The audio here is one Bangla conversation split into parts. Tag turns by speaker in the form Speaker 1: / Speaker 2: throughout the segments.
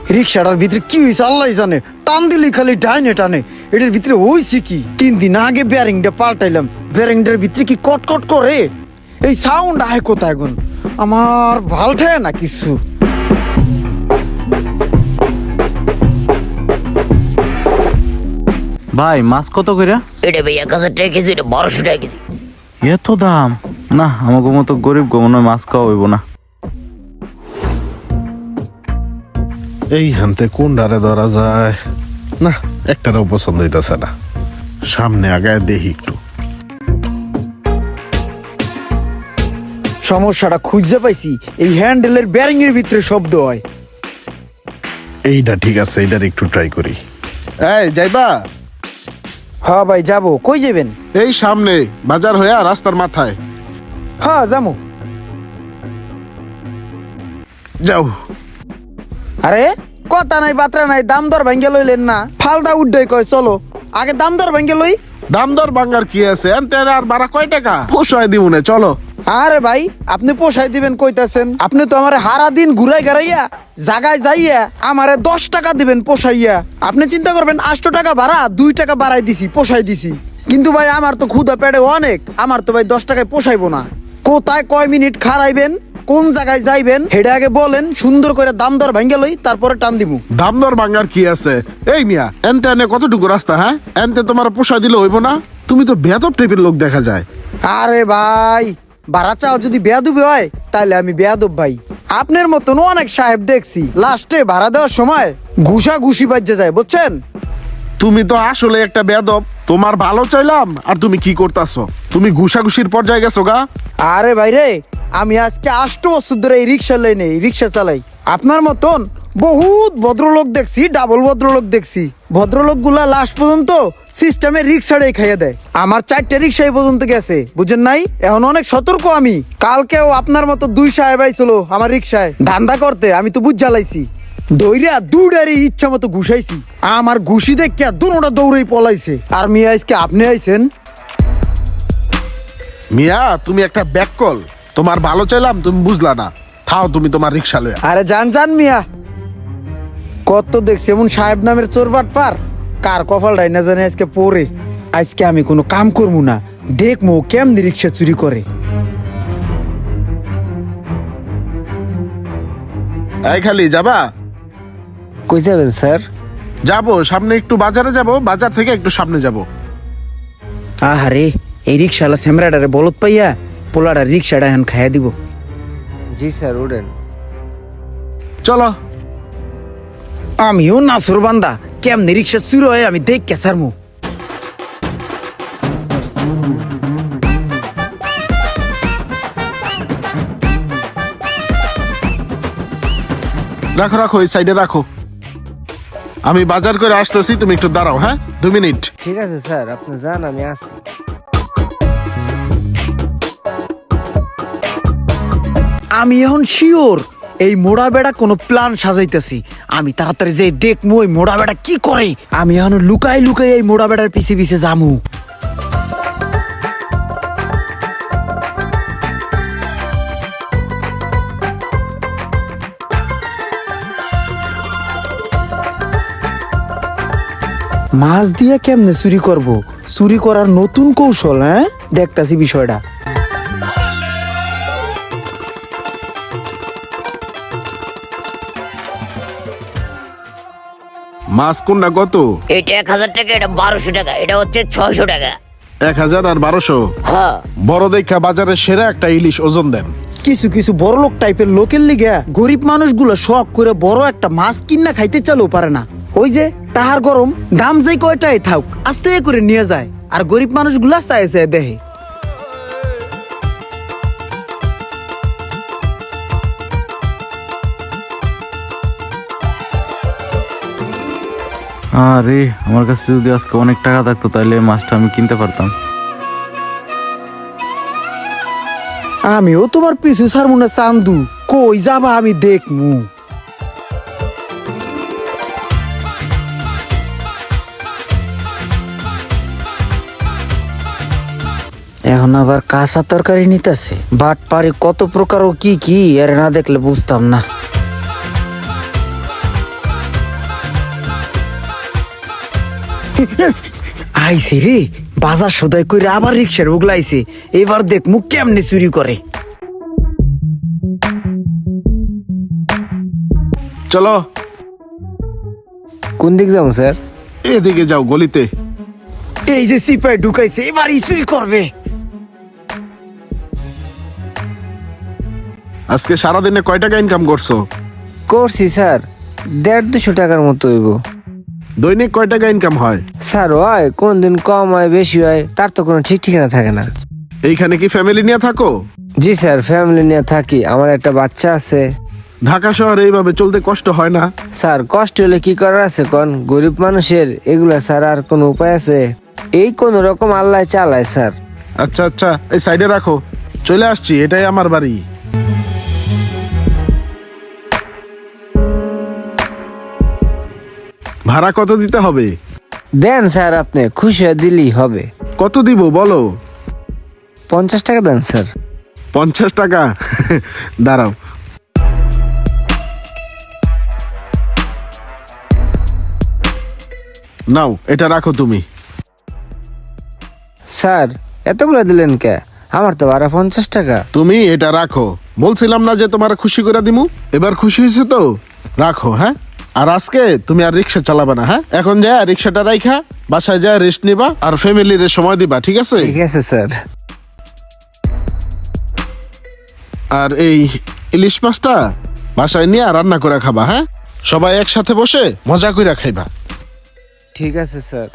Speaker 1: রিক্সাটার ভিতরে কি হয়েছে আল্লাহ জানে, টান দিলি খালি ডাইনে টানে। এটার ভিতরে হয়েছে কি? 3 দিন আগে ব্যারিংটা পাল্টাইলাম, ব্যারিংটার ভিতরে কি কটকট করে, এই সাউন্ড আয় কোথায় এখন? আমার ভাল ঠায় না কিছু।
Speaker 2: ভাই মাছ কত করে?
Speaker 3: এটা ভাই 1000 টাকা কেজি, এটা 1200 টাকা কেজি।
Speaker 2: এত দাম? না, আমাকে মতো গরিব মনে হয় মাছ খাওয়া হইব না।
Speaker 4: এই হানতে কোন ডারে ধরা যায় না, একটারও পছন্দ হইতেছে না। সামনে আগায় দেখি একটু।
Speaker 1: সমস্যাটা খুঁজে পাইছি, এই হ্যান্ডেলের ব্যারিং এর ভিতরে শব্দ হয়।
Speaker 4: এইটা ঠিক আছে, এইটার একটু ট্রাই করি। এই যাইবা?
Speaker 1: হ্যাঁ ভাই যাবো। কই যাবেন?
Speaker 4: এই সামনে বাজার হইয়া রাস্তার মাথায়।
Speaker 1: হ্যাঁ যাবো।
Speaker 4: যাও।
Speaker 1: আরে কথা নাই বাত্রা নাই, দাম দর ভাঙ্গে লইলেন না, ফালদা উড্ডাই কয় চলো আগে দাম দর ভাঙ্গে লই।
Speaker 4: দাম দর বাঙ্গার কি আছে, এনতে আর বাড়া কয় টাকা পোষায় দিব না, চলো।
Speaker 1: আরে ভাই আপনি পোষাই দিবেন কইতাছেন? আপনি তো আমারে হারা দিন ঘুরাই ঘারাইয়া জাগায় যাইয়া আমারে 10 টাকা দিবেন পোষাইয়া। আপনি চিন্তা করবেন 800 টাকা ভাড়া 2 টাকা বাড়াই দিছি, পোষাই দিছি। কিন্তু ভাই আমার তো ক্ষুধা পেটে অনেক, আমার তো ভাই 10 টাকায় পোষাইবো না। কোথায় কয় মিনিট খারাইবেন, কোন জায়গায় যাইবেন হেডে আগে বলেন, সুন্দর করে দাম দর ভাঙ্গে লই, তারপরে টান দিমু।
Speaker 4: দাম দর বাঙ্গার কি আছে? এই মিয়া এনতে এনে কতটুকু রাস্তা, হ্যাঁ? এনতে তোমার পোষায় দিলে হইব না? তুমি তো বেয়াদব টাইপের লোক দেখা যায়।
Speaker 1: আরে ভাই ভাড়া চাও যদি বেয়াদবি হয় তাহলে আমি বেয়াদব ভাই। আপনার মতন অনেক সাহেব দেখছি, লাস্টে ভাড়া দেওয়ার সময় ঘুষা ঘুষি বাজে যায়, বুঝছেন?
Speaker 4: তুমি তো আসলে একটা বেয়াদব। তোমার ভালো চাইলাম আর তুমি কি করতাছো? তুমি ঘুষাঘুষির পর্যায়ে গেছো গা।
Speaker 1: আরে ভাই রে, আমি আজকে 8 বছর ধরে এই রিক্সা লাইনে রিক্সা চালাই। আপনার মতন বহুত ভদ্রলোক দেখছি, ডাবল ভদ্রলোক দেখছি। ভদ্রলোক গুলা লাস্ট পর্যন্ত সিস্টেমে রিক্সাটাই খাইয়ে দেয়। আমার 4টে রিক্সা এই পর্যন্ত গেছে, বুঝেন নাই? এখন অনেক সতর্ক আমি। কালকেও আপনার মতো 2 সাহেব আইছিল আমার রিক্সায় ধান্দা করতে, আমি তো বুঝ জ্বালাইছি। দৌড়া দুডারি ইচ্ছা মতো ঘুষাইছি, আমার ঘুষি দেখে দুটা দৌড়েই পলাইছে। আর মিয়া আজকে আপনি আইছেন।
Speaker 4: মিয়া তুমি একটা ব্যাককল। তোমার ভালো চাইলাম, তুমি বুঝলা না। থাও তুমি তোমার রিক্সা লয়া।
Speaker 1: আরে জান মিয়া, কত দেখছি এমন সাহেব নামের চোরবাট পার, কার কপালটাই না জানে আজকে পরে। আজকে আমি কোনো কাম করবো না, দেখবো কেমনি রিক্সা চুরি করে।
Speaker 4: এই খালি যাবা?
Speaker 5: কই যাবেন স্যার?
Speaker 4: যাবো সামনে একটু বাজারে যাব, বাজার থেকে একটু সামনে যাব।
Speaker 1: আহারে এই রিক্সাওয়ালা স্যামরাডারে বলত পাইয়া পোলাডার রিক্সাটা এখন খাইয়া দিব।
Speaker 5: জি স্যার, উঠেন।
Speaker 4: চলো।
Speaker 1: আমিও নাসুর বান্দা, কেমনি রিক্সা চুরি হয় আমি দেখ কেসারমু।
Speaker 4: রাখো রাখো, এই সাইডে রাখো। আমি বাজার করে আসতেছি, তুমি একটু দাঁড়াও। হ্যাঁ 2 মিনিট।
Speaker 5: ঠিক আছে স্যার, আপনি যান, আমি আসি।
Speaker 1: আমি এখন শিওর এই মোড়া বেড়া কোনো প্ল্যান সাজাইতেছি। আমি তাড়াতাড়ি যে দেখমু ওই মোড়া বেড়া কি করে। আমি এখন লুকাই লুকাই এই মোড়া বেড়ার পিছে পিছে যামু। মাছ দিয়া কেমনে চুরি করব? চুরি করার নতুন কৌশল, হ্যাঁ দেখতাছি বিষয়টা।
Speaker 4: মাছ কোনটা কত?
Speaker 3: এটা 1000 টাকা, এটা 1200 টাকা, এটা হচ্ছে 600 টাকা।
Speaker 4: 1000 আর 1200?
Speaker 3: হ্যাঁ।
Speaker 4: বড় দেখা বাজারের সেরা একটা ইলিশ ওজন দেন।
Speaker 1: কিছু কিছু বড় লোক টাইপের লোকের লিগে গরিব মানুষগুলো শখ করে বড় একটা মাছ কিনা খাইতে চালেও পারে না। ওই যে তাহার গরম দাম যেই কয়টাই থাক আস্তে করে নিয়ে যায়, আর গরিব মানুষগুলা চায় চায় দেহে।
Speaker 2: আরে আমার কাছে যদি আজকে অনেক টাকা থাকতো তাহলে মাছটা আমি কিনতে পারতাম।
Speaker 1: আমিও তোমার পিছু ছাড়মু না চান্দু, কই যাবা আমি দেখমু। এখন আবার কাঁচা তরকারি নিতেছে, বাট পারে কত প্রকার ও কি কি এর না দেখলে বুঝতাম না। আইছে রে, বাজার সদাই করে আবার রিক্সার উগলাইছে। এবার দেখ মুখ কেমনে চুরি করে।
Speaker 4: চলো
Speaker 5: কোন দিক যাবো স্যার?
Speaker 4: এদিকে যাও গলিতে।
Speaker 1: এই যে সিপাই ঢুকাইছে, এবারই চুরি করবে।
Speaker 4: আজকে সারাদিনে কয় টাকা ইনকাম করছো?
Speaker 5: করছি স্যার 150-200 টাকার মতো হইব।
Speaker 4: দৈনিক কয় টাকা ইনকাম হয়?
Speaker 5: স্যার হয় কোন দিন কম হয় বেশি হয়, তার তো কোনো ঠিক ঠিকানা থাকে না।
Speaker 4: এইখানে কি ফ্যামিলি নিয়ে থাকো?
Speaker 5: জি স্যার, ফ্যামিলি নিয়ে থাকি, আমার একটা বাচ্চা আছে।
Speaker 4: ঢাকা শহরে এইভাবে চলতে কষ্ট হয় না?
Speaker 5: স্যার কষ্ট হলে কি করার আছে কোন, গরিব মানুষের এগুলা স্যার আর কোনো উপায় আছে? এই কোন রকম আল্লাহ চালায় স্যার।
Speaker 4: আচ্ছা আচ্ছা, এই সাইডে রাখো, চলে আসছি, এটাই আমার বাড়ি। ভাড়া কত দিতে হবে?
Speaker 5: দেন স্যার, আপনি খুশি হয়ে দিলেই হবে।
Speaker 4: কত দিব বলো?
Speaker 5: 50 টাকা দেন স্যার।
Speaker 4: 50 টাকা? দাঁড়াও। নাও, এটা রাখো তুমি।
Speaker 5: স্যার এতগুলো দিলেন কে? আমার তো ভাড়া 50 টাকা।
Speaker 4: তুমি এটা রাখো, বলছিলাম না যে তোমার খুশি করে দিমু? এবার খুশি হয়েছে তো? রাখো, হ্যাঁ? আর আজকে তুমি আর রিক্সা চালাবে না, হ্যাঁ? এখন যা রিক্সাটা রাইখা বাসায় যা রেস্ট নিবা আর ফ্যামিলির সময় দিবা, ঠিক আছে?
Speaker 5: ঠিক আছে স্যার।
Speaker 4: আর এই ইলিশ মাছটা বাসায় নিয়ে রান্না করে খাবা, হ্যাঁ? সবাই একসাথে বসে মজা করে খাইবা।
Speaker 5: ঠিক আছে স্যার।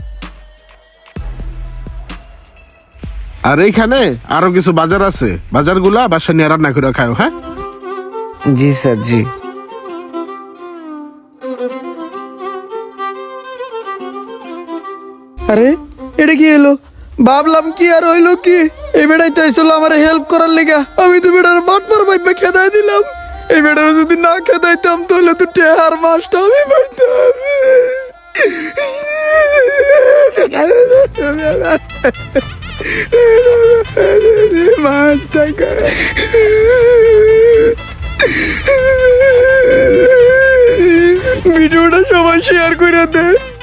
Speaker 4: আর এইখানে আরো কিছু বাজার আছে, বাজারগুলা বাসায় নিয়ে রান্না করে খাও, হ্যাঁ?
Speaker 5: জি স্যার, জি।
Speaker 1: আরে এটা কি হলো? ভাবলাম কি আর হইলো কি, এই বেড়াই তো আইসলো আমার হেল্প করার লেগা। আমি তো বেড়ার বাটপার ভাইবা খেদাই দিলাম। এই বেড়ার যদি না খেদাইতাম তাহলে তো টেহার মাছটা আমি পাইতাম। মাছটা ভিডিওটা সবাই শেয়ার করে দেয়।